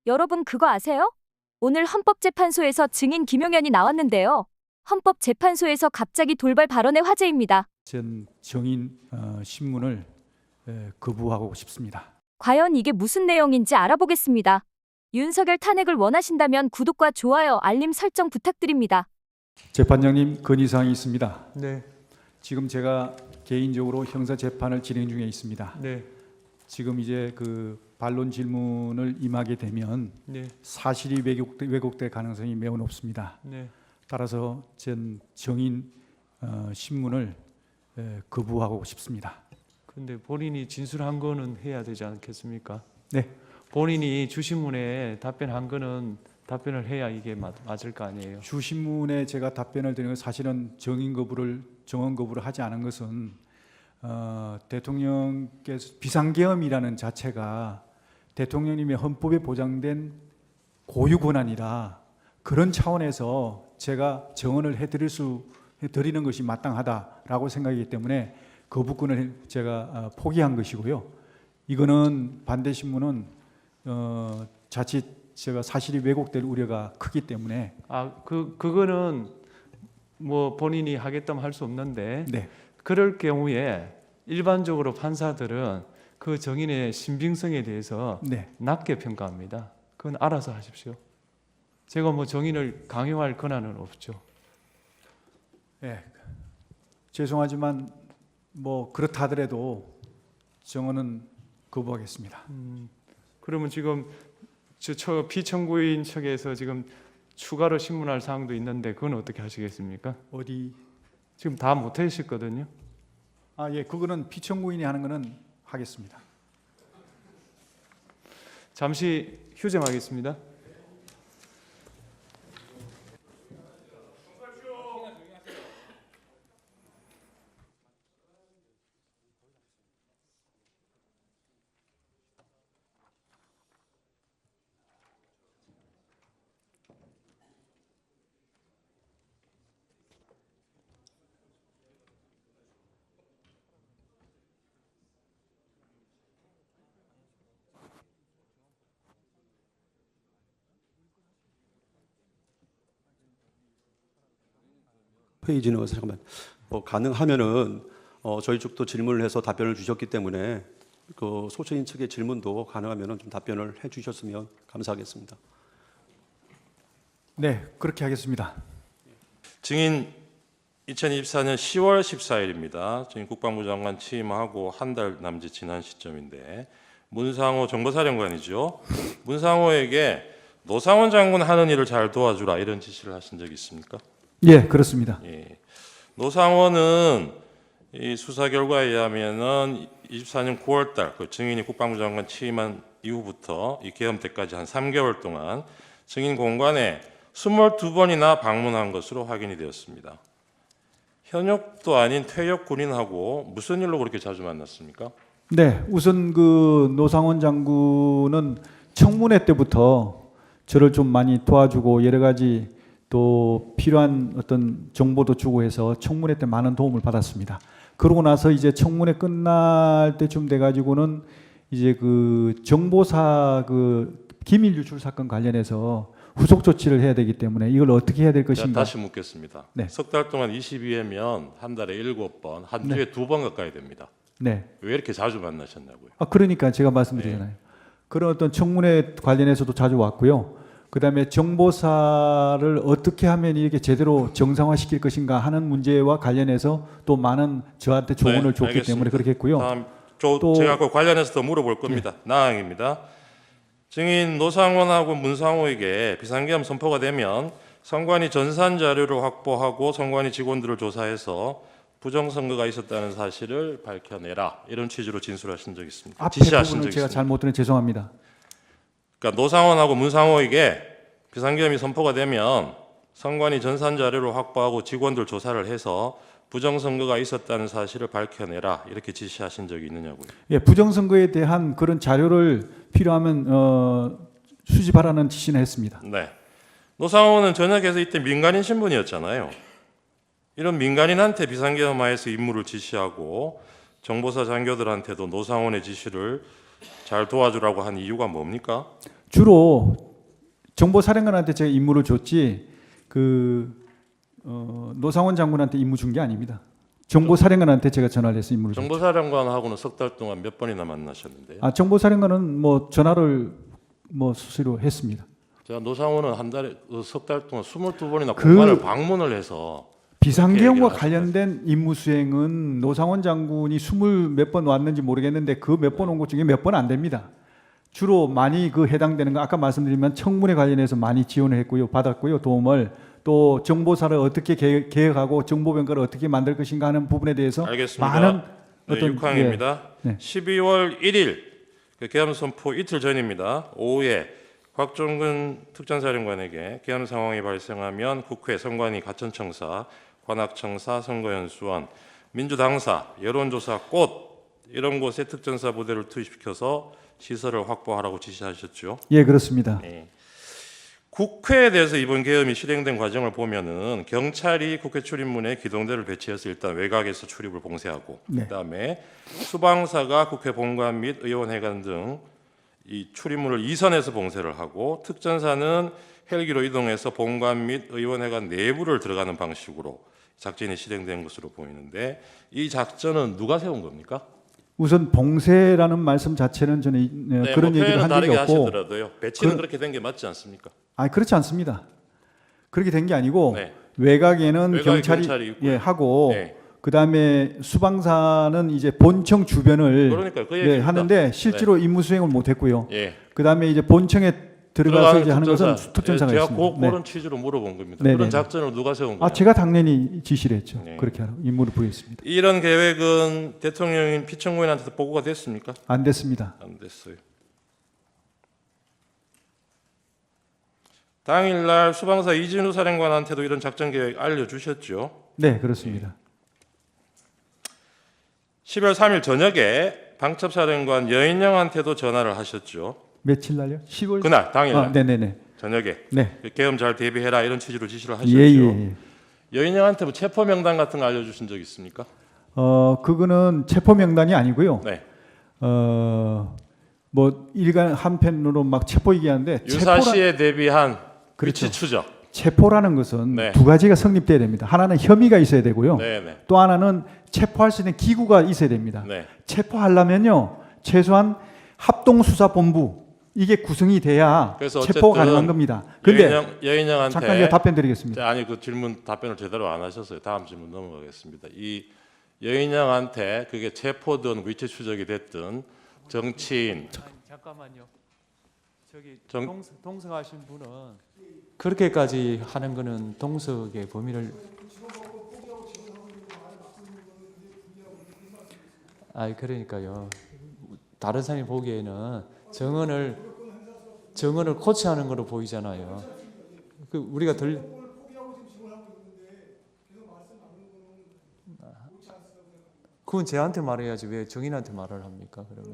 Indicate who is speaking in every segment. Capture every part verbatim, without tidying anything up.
Speaker 1: 여러분 그거 아세요? 오늘 헌법재판소에서 증인 김용현이 나왔는데요. 헌법재판소에서 갑자기 돌발 발언의 화제입니다.
Speaker 2: 전 정인 어, 신문을 에, 거부하고 싶습니다.
Speaker 1: 과연 이게 무슨 내용인지 알아보겠습니다. 윤석열 탄핵을 원하신다면 구독과 좋아요, 알림 설정 부탁드립니다.
Speaker 2: 재판장님, 건의사항이 있습니다.
Speaker 3: 네,
Speaker 2: 지금 제가 개인적으로 형사 재판을 진행 중에 있습니다.
Speaker 3: 네,
Speaker 2: 지금 이제 그 반론 질문을 임하게 되면
Speaker 3: 네,
Speaker 2: 사실이 왜곡, 왜곡될 가능성이 매우 높습니다.
Speaker 3: 네.
Speaker 2: 따라서 전 정인 어, 신문을 에, 거부하고 싶습니다.
Speaker 3: 근데 본인이 진술한 거는 해야 되지 않겠습니까?
Speaker 2: 네,
Speaker 3: 본인이 주신문에 답변한 거는 답변을 해야 이게 맞, 맞을 거 아니에요.
Speaker 2: 주신문에 제가 답변을 드리는 건 사실은 정인 거부를 정언 거부를 하지 않은 것은 어, 대통령께서 비상계엄이라는 자체가 대통령님의 헌법에 보장된 고유 권한이라 그런 차원에서 제가 정언을 해드릴 수 해드리는 것이 마땅하다라고 생각이기 때문에 거부권을 제가 어, 포기한 것이고요. 이거는 반대 신문은 어, 자칫 제가 사실이 왜곡될 우려가 크기 때문에
Speaker 3: 아, 그 그거는 뭐 본인이 하겠다면 할 수 없는데
Speaker 2: 네.
Speaker 3: 그럴 경우에 일반적으로 판사들은 그 정인의 신빙성에 대해서
Speaker 2: 네.
Speaker 3: 낮게 평가합니다. 그건 알아서 하십시오. 제가 뭐 정인을 강요할 권한은 없죠.
Speaker 2: 네. 죄송하지만 뭐 그렇다 하더라도 정언은 거부하겠습니다.
Speaker 3: 음, 그러면 지금 저, 저 피청구인 측에서 지금 추가로 신문할 사항도 있는데 그건 어떻게 하시겠습니까?
Speaker 2: 어디?
Speaker 3: 지금 다 못하셨거든요.
Speaker 2: 아, 예, 그거는 피청구인이 하는 거는 하겠습니다.
Speaker 3: 잠시 휴정하겠습니다.
Speaker 4: 회의 진행을 잠깐만 뭐 가능하면은 어, 저희 쪽도 질문을 해서 답변을 주셨기 때문에 그 소처인 측의 질문도 가능하면은 좀 답변을 해주셨으면 감사하겠습니다.
Speaker 2: 네, 그렇게 하겠습니다.
Speaker 5: 증인 이천이십사 년 시월 십사일입니다. 증인 국방부 장관 취임하고 한 달 남짓 지난 시점인데 문상호 정보사령관이죠. 문상호에게 노상원 장군 하는 일을 잘 도와주라 이런 지시를 하신 적이 있습니까?
Speaker 2: 예, 그렇습니다.
Speaker 5: 예. 노상원은 이 수사 결과에 의하면은 이십사 년 구월달 그 증인이 국방부 장관 취임한 이후부터 이 계엄 때까지 한 삼 개월 동안 증인 공간에 이십이 번이나 방문한 것으로 확인이 되었습니다. 현역도 아닌 퇴역 군인하고 무슨 일로 그렇게 자주 만났습니까?
Speaker 2: 네, 우선 그 노상원 장군은 청문회 때부터 저를 좀 많이 도와주고 여러 가지 또 필요한 어떤 정보도 주고 해서 청문회 때 많은 도움을 받았습니다. 그러고 나서 이제 청문회 끝날 때쯤 돼가지고는 이제 그 정보사 그 기밀 유출 사건 관련해서 후속 조치를 해야 되기 때문에 이걸 어떻게 해야 될
Speaker 5: 자,
Speaker 2: 것인가.
Speaker 5: 다시 묻겠습니다.
Speaker 2: 네.
Speaker 5: 석 달 동안 이십이 회면 한 달에 일곱 번, 한
Speaker 2: 네.
Speaker 5: 주에 두 번 가까이 됩니다.
Speaker 2: 네.
Speaker 5: 왜 이렇게 자주 만나셨냐고요?
Speaker 2: 아, 그러니까 제가 말씀드리잖아요.
Speaker 5: 네.
Speaker 2: 그런 어떤 청문회 관련해서도 자주 왔고요. 그다음에 정보사를 어떻게 하면 이렇게 제대로 정상화시킬 것인가 하는 문제와 관련해서 또 많은 저한테 조언을
Speaker 5: 네,
Speaker 2: 줬기
Speaker 5: 알겠습니다.
Speaker 2: 때문에 그렇게 했고요.
Speaker 5: 다음 저,
Speaker 2: 또-
Speaker 5: 제가 그 관련해서 더 물어볼 겁니다. 나항입니다. 증인 노상원하고 문상호에게 비상계엄 선포가 되면 선관위 전산 자료를 확보하고 선관위 직원들을 조사해서 부정선거가 있었다는 사실을 밝혀내라 이런 취지로 진술하신 적이 있습니다.
Speaker 2: 앞에
Speaker 5: 지시하신
Speaker 2: 부분을
Speaker 5: 적이
Speaker 2: 제가
Speaker 5: 있습니다.
Speaker 2: 잘못 들은 죄송합니다.
Speaker 5: 그러니까 노상원하고 문상호에게 비상계엄이 선포가 되면 선관위 전산 자료를 확보하고 직원들 조사를 해서 부정선거가 있었다는 사실을 밝혀내라 이렇게 지시하신 적이 있느냐고요.
Speaker 2: 예, 부정선거에 대한 그런 자료를 필요하면 어, 수집하라는 지시는 했습니다.
Speaker 5: 네. 노상호는 전역에서 이때 민간인 신분이었잖아요. 이런 민간인한테 비상계엄하에서 임무를 지시하고 정보사 장교들한테도 노상원의 지시를 잘 도와주라고 한 이유가 뭡니까?
Speaker 2: 주로 정보사령관한테 제가 임무를 줬지 그 어, 노상원 장군한테 임무 준 게 아닙니다. 정보사령관한테 제가 전화를 해서 임무를 줬죠.
Speaker 5: 정보사령관하고는 석 달 동안 몇 번이나 만나셨는데요.
Speaker 2: 아, 정보사령관은 뭐 전화를 뭐 수시로 했습니다.
Speaker 5: 제가 노상원은 한 달에 석 달 동안 스물두 번이나
Speaker 2: 그-
Speaker 5: 공간을 방문을 해서
Speaker 2: 비상계엄과
Speaker 5: 얘기를
Speaker 2: 관련된 임무 수행은 노상원 장군이 스물 몇 번 왔는지 모르겠는데 그 몇 번 온 것 중에 몇 번 안 됩니다. 주로 많이 그 해당되는 거 아까 말씀드리면 청문회 관련해서 많이 지원을 했고요, 받았고요, 도움을 또 정보사를 어떻게 개- 개혁하고 정보병가를 어떻게 만들 것인가 하는 부분에 대해서
Speaker 5: 알겠습니다.
Speaker 2: 많은
Speaker 5: 네,
Speaker 2: 어떤
Speaker 5: 육 항입니다.
Speaker 2: 예, 네.
Speaker 5: 십이월 일일 그 계엄 선포 이틀 전입니다. 오후에 곽종근 특전사령관에게 계엄 상황이 발생하면 국회, 선관위, 가천청사, 관악청사, 선거연수원, 민주당사, 여론조사 꽃 이런 곳에 특전사 부대를 투입시켜서 시설을 확보하라고 지시하셨죠.
Speaker 2: 예, 그렇습니다.
Speaker 5: 네. 국회에 대해서 이번 계엄이 실행된 과정을 보면은 경찰이 국회 출입문에 기동대를 배치해서 일단 외곽에서 출입을 봉쇄하고
Speaker 2: 네.
Speaker 5: 그다음에 수방사가 국회 본관 및 의원회관 등 이 출입문을 이선해서 봉쇄를 하고 특전사는 헬기로 이동해서 본관 및 의원회관 내부를 들어가는 방식으로 작전이 실행된 것으로 보이는데 이 작전은 누가 세운 겁니까?
Speaker 2: 우선 봉쇄라는 말씀 자체는 저는 이- 네,
Speaker 5: 네,
Speaker 2: 그런
Speaker 5: 뭐
Speaker 2: 얘기를
Speaker 5: 표현은
Speaker 2: 한 적이
Speaker 5: 다르게
Speaker 2: 없고,
Speaker 5: 하시더라도요. 배치는
Speaker 2: 그-
Speaker 5: 그렇게 된 게 맞지 않습니까?
Speaker 2: 아, 그렇지 않습니다. 그렇게 된 게 아니고
Speaker 5: 네.
Speaker 2: 외곽에는
Speaker 5: 외곽에
Speaker 2: 경찰이,
Speaker 5: 경찰이 있고요.
Speaker 2: 예, 하고
Speaker 5: 네.
Speaker 2: 그다음에 수방사는 이제 본청 주변을
Speaker 5: 그러니까 그
Speaker 2: 예,
Speaker 5: 얘기입니다.
Speaker 2: 하는데 실제로 임무 수행을 못했고요.
Speaker 5: 예.
Speaker 2: 그다음에 이제 본청에 들어가서 이제 하는 것은 특전사가
Speaker 5: 예, 제가
Speaker 2: 있습니다.
Speaker 5: 그, 그런 취지로 물어본 겁니다.
Speaker 2: 네,
Speaker 5: 그런
Speaker 2: 네.
Speaker 5: 작전을 누가 세운 거예요?
Speaker 2: 아, 제가 당연히 지시를 했죠.
Speaker 5: 네.
Speaker 2: 그렇게 하라고 임무를 부여했습니다.
Speaker 5: 이런 계획은 대통령인 피청구인한테도 보고가 됐습니까?
Speaker 2: 안 됐습니다.
Speaker 5: 안 됐어요. 당일날 수방사 이진우 사령관한테도 이런 작전 계획 알려주셨죠.
Speaker 2: 네, 그렇습니다.
Speaker 5: 십이월 삼일 저녁에 방첩사령관 여인영한테도 전화를 하셨죠.
Speaker 2: 며칠 날요? 시월
Speaker 5: 그날 당일날
Speaker 2: 아, 네, 네, 네.
Speaker 5: 저녁에
Speaker 2: 네.
Speaker 5: 계엄 잘 대비해라 이런 취지로 지시를 하셨죠.
Speaker 2: 예, 예, 예.
Speaker 5: 여인영한테 뭐 체포 명단 같은 거 알려주신 적 있습니까?
Speaker 2: 어, 그거는 체포 명단이 아니고요.
Speaker 5: 네.
Speaker 2: 어, 뭐 일간 한편으로 막 체포 얘기하는데 체포라,
Speaker 5: 유사시에 대비한
Speaker 2: 그렇죠.
Speaker 5: 위치 추적.
Speaker 2: 체포라는 것은
Speaker 5: 네.
Speaker 2: 두 가지가 성립돼야 됩니다. 하나는 혐의가 있어야 되고요.
Speaker 5: 네네.
Speaker 2: 또 하나는 체포할 수 있는 기구가 있어야 됩니다.
Speaker 5: 네.
Speaker 2: 체포하려면요, 최소한 합동수사본부 이게 구성이 돼야
Speaker 5: 그래서
Speaker 2: 체포가
Speaker 5: 어쨌든
Speaker 2: 가능한 겁니다. 근데
Speaker 5: 여인영, 여인영한테
Speaker 2: 잠깐 제가 답변 드리겠습니다.
Speaker 5: 자, 아니 그 질문 답변을 제대로 안 하셨어요. 다음 질문 넘어가겠습니다. 이 여인영한테 그게 체포든 위치 추적이 됐든 정치인
Speaker 3: 잠깐만요. 저기
Speaker 5: 정-
Speaker 3: 동석, 동석하신 분은 그렇게까지 하는 거는 동석의 범위를 아 그러니까요. 다른 사람이 보기에는 정언을 정언을 코치하는 거로 보이잖아요. 그 우리가 들 그건 쟤한테 말해야지 왜 정인한테 말을 합니까? 그러면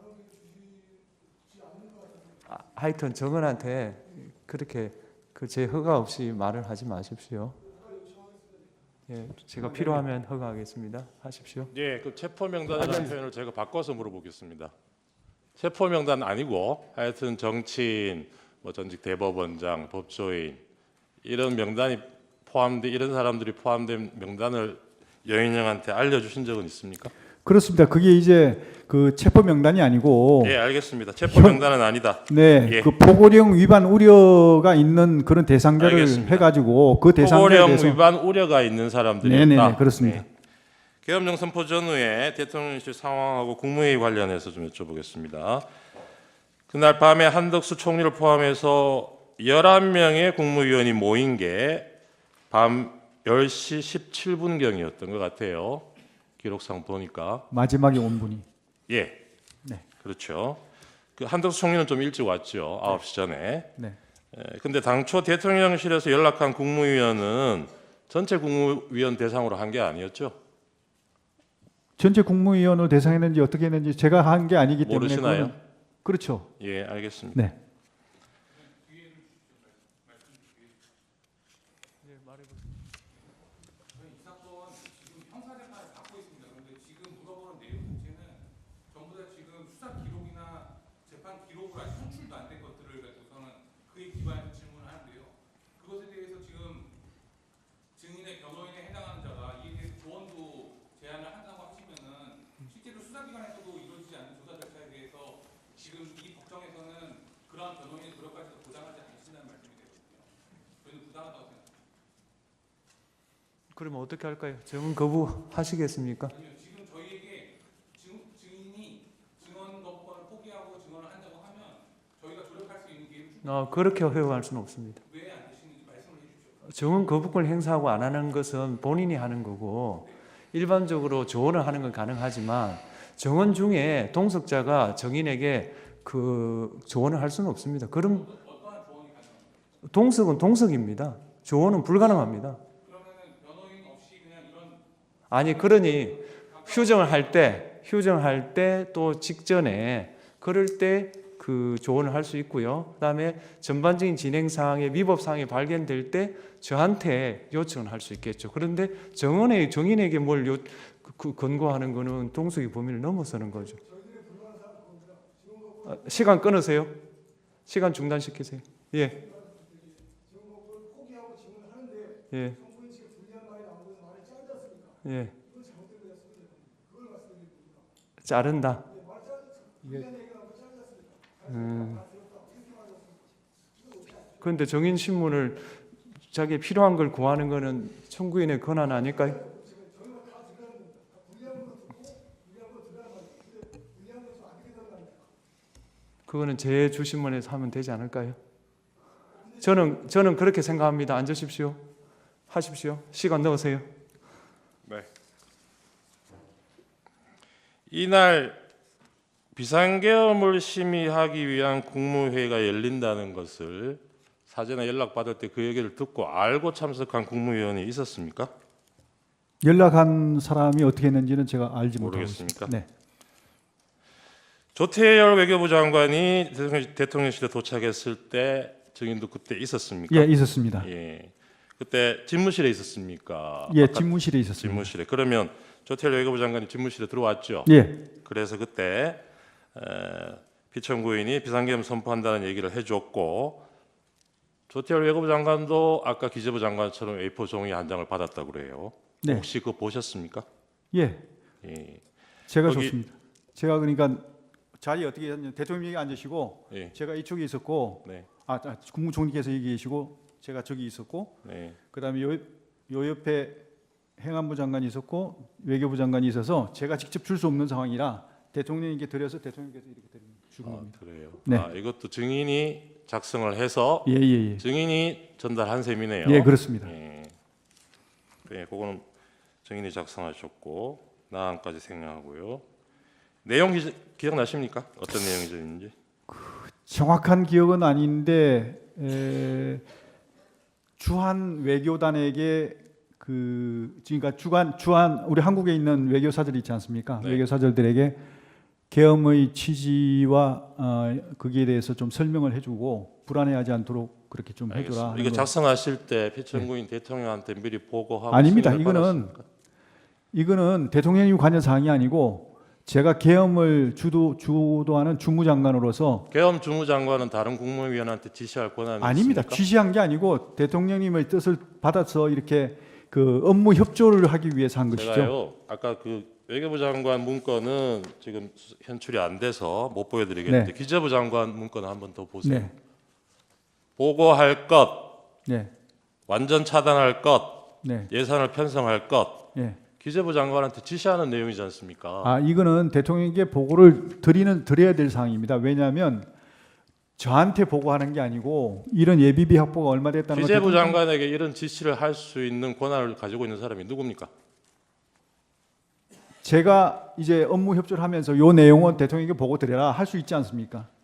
Speaker 3: 아, 하여튼 정은한테 그렇게 그 제 허가 없이 말을 하지 마십시오. 예, 제가 필요하면 허가하겠습니다. 하십시오.
Speaker 5: 예, 그 체포 명단이라는 표현을 제가 바꿔서 물어보겠습니다. 체포 명단 아니고 하여튼 정치인, 뭐 전직 대법원장, 법조인 이런 명단이 포함된 이런 사람들이 포함된 명단을 여인영한테 알려주신 적은 있습니까?
Speaker 2: 그렇습니다. 그게 이제 그 체포 명단이 아니고
Speaker 5: 예, 알겠습니다. 체포 명단은 아니다.
Speaker 2: 네,
Speaker 5: 예.
Speaker 2: 그 포고령 위반 우려가 있는 그런 대상자를
Speaker 5: 알겠습니다.
Speaker 2: 해가지고 그 대상자에
Speaker 5: 포고령
Speaker 2: 대해서
Speaker 5: 위반 우려가 있는 사람들이었다.
Speaker 2: 네네네, 그렇습니다.
Speaker 5: 계엄령 선포 전후에 대통령실 상황하고 국무회의 관련해서 좀 여쭤보겠습니다. 그날 밤에 한덕수 총리를 포함해서 열한 명의 국무위원이 모인 게 밤 열 시 십칠 분경이었던 것 같아요. 기록상 보니까.
Speaker 2: 마지막에 온 분이
Speaker 5: 예.
Speaker 2: 네.
Speaker 5: 그렇죠. 그 한덕수 총리는 좀 일찍 왔죠. 아홉 시 전에.
Speaker 2: 네.
Speaker 5: 에, 근데 당초 대통령실에서 연락한 국무위원은 전체 국무위원 대상으로 한 게 아니었죠.
Speaker 2: 전체 국무위원을 대상했는지 어떻게 했는지 제가 한 게 아니기 때문에
Speaker 5: 모르시나요?
Speaker 2: 그거는- 그렇죠.
Speaker 5: 예, 알겠습니다.
Speaker 2: 네.
Speaker 6: 재판 기록을 아직 송출도 안 된 것들을 가지고서는 그에 기반해서 질문을 하는데요. 그것에 대해서 지금 증인의 변호인에 해당하는 자가 이에 대해서 조언도 제안을 한다고 하시면은 실제로 수사기관에서도 이루어지지 않는 조사 절차에 대해서 지금 이 법정에서는 그러한 변호인의 노력까지도 보장하지 않으신다는 말씀이 되거든요. 저희는 부당하다고 생각합니다.
Speaker 3: 그러면 어떻게 할까요? 증언 거부 하시겠습니까?
Speaker 6: 아니요, 지금 저희에게 증, 증인이 증언 거부권을 포기하고 증언을 한다고 하면 저희가 조력할 수 있는 기회를
Speaker 3: 어, 그렇게 허용할 수는 없습니다.
Speaker 6: 왜 안 되시는지 말씀을 해주십시오.
Speaker 3: 증언 거부권을 행사하고 안 하는 것은 본인이 하는 거고 일반적으로 조언을 하는 건 가능하지만 증언 중에 동석자가 증인에게 그 조언을 할 수는 없습니다. 그럼
Speaker 6: 어떠한 조언이 가능합니까?
Speaker 3: 동석은 동석입니다. 조언은 불가능합니다.
Speaker 6: 그러면은 변호인 없이 그냥 이런
Speaker 3: 아니 그러니 휴정을 할 때 휴정할 때 또 직전에 그럴 때 그 조언을 할 수 있고요. 그다음에 전반적인 진행 사항에 위법 사항이 발견될 때 저한테 요청을 할 수 있겠죠. 그런데 정원의 정인에게 뭘 요, 그, 권고하는 거는 동석의 범위를 넘어서는 거죠. 아, 시간 끊으세요. 시간 중단시키세요. 예. 예. 예. 자른다. 음. 그런데 정인 신문을 자기 필요한 걸 구하는 거는 청구인의 권한 아닐까요? 그거는 제 주신문에서 하면 되지 않을까요? 저는 저는 그렇게 생각합니다. 앉으십시오. 하십시오. 시간 넣으세요.
Speaker 5: 네. 이날 비상계엄을 심의하기 위한 국무회의가 열린다는 것을 사전에 연락받을 때 그 얘기를 듣고 알고 참석한 국무위원이 있었습니까?
Speaker 2: 연락한 사람이 어떻게 했는지는 제가 알지 못하고
Speaker 5: 모르겠습니까?
Speaker 2: 있습니다. 네.
Speaker 5: 조태열 외교부 장관이 대통령- 대통령실에 도착했을 때 증인도 그때 있었습니까?
Speaker 2: 예, 있었습니다.
Speaker 5: 예. 그때 집무실에 있었습니까?
Speaker 2: 예,
Speaker 5: 아까
Speaker 2: 집무실에 있었습니다.
Speaker 5: 집무실에. 그러면 조태열 외교부 장관이 집무실에 들어왔죠.
Speaker 2: 예,
Speaker 5: 그래서 그때 에, 피청구인이 비상계엄 선포한다는 얘기를 해줬고 조태열 외교부 장관도 아까 기재부 장관처럼 에이포 종이 한 장을 받았다고 그래요.
Speaker 2: 네.
Speaker 5: 혹시 그거 보셨습니까?
Speaker 2: 예,
Speaker 5: 예.
Speaker 2: 제가
Speaker 5: 거기-
Speaker 2: 좋습니다. 제가 그러니까 자리 어떻게 했냐면 대통령이 앉으시고
Speaker 5: 예.
Speaker 2: 제가 이쪽에 있었고,
Speaker 5: 네.
Speaker 2: 아, 아, 국무총리께서 여기 계시고 제가 저기 있었고,
Speaker 5: 네.
Speaker 2: 그다음에 요, 요 옆에 행안부 장관이 있었고 외교부 장관이 있어서 제가 직접 줄 수 없는 상황이라 대통령에게 드려서 대통령께서 이렇게 드린 주는
Speaker 5: 아,
Speaker 2: 겁니다.
Speaker 5: 그래요.
Speaker 2: 네.
Speaker 5: 아, 이것도 증인이 작성을 해서
Speaker 2: 예, 예, 예.
Speaker 5: 증인이 전달한 셈이네요.
Speaker 2: 예, 그렇습니다.
Speaker 5: 예. 네, 그거는 증인이 작성하셨고 나안까지 생략하고요. 내용 기, 기억나십니까? 어떤 내용이 있는지?
Speaker 2: 정확한 기억은 아닌데 에, 주한 외교단에게 그 그러니까 주간 주한 우리 한국에 있는 외교사들 있지 않습니까?
Speaker 5: 네.
Speaker 2: 외교사들들에게 계엄의 취지와 어, 거기에 대해서 좀 설명을 해주고 불안해하지 않도록 그렇게 좀 해줘라.
Speaker 5: 알겠습니다.
Speaker 2: 하는
Speaker 5: 이거
Speaker 2: 거.
Speaker 5: 작성하실 때 피청구인 대통령한테 미리 보고하고
Speaker 2: 아닙니다.
Speaker 5: 승인을
Speaker 2: 이거는
Speaker 5: 받았습니까?
Speaker 2: 이거는 대통령이 관여 사항이 아니고 제가 계엄을 주도 주도하는 주무장관으로서
Speaker 5: 계엄 주무장관은 다른 국무위원한테 지시할 권한이
Speaker 2: 아닙니다.
Speaker 5: 있습니까?
Speaker 2: 지시한 게 아니고 대통령님의 뜻을 받아서 이렇게 그 업무 협조를 하기 위해서 한 것이죠.
Speaker 5: 제가요 아까 그 외교부 장관 문건은 지금 현출이 안 돼서 못 보여드리겠는데
Speaker 2: 네.
Speaker 5: 기재부 장관 문건을 한번 더 보세요.
Speaker 2: 네,
Speaker 5: 보고할 것,
Speaker 2: 네,
Speaker 5: 완전 차단할 것,
Speaker 2: 네,
Speaker 5: 예산을 편성할 것,
Speaker 2: 네.
Speaker 5: 기재부 장관한테 지시하는 내용이지 않습니까?
Speaker 2: 아 이거는 대통령에게 보고를 드리는 드려야 될 사항입니다. 왜냐하면 저한테 보고하는 게 아니고 이런 예비비 확보가 얼마 됐다는 걸
Speaker 5: 기재부
Speaker 2: 대통령-
Speaker 5: 장관에게 이런 지시를 할 수 있는 권한을 가지고 있는 사람이 누굽니까?
Speaker 2: 제가 이제 업무 협조를 하면서 요 내용은 대통령에게 보고 드려라 할 수 있지 않습니까?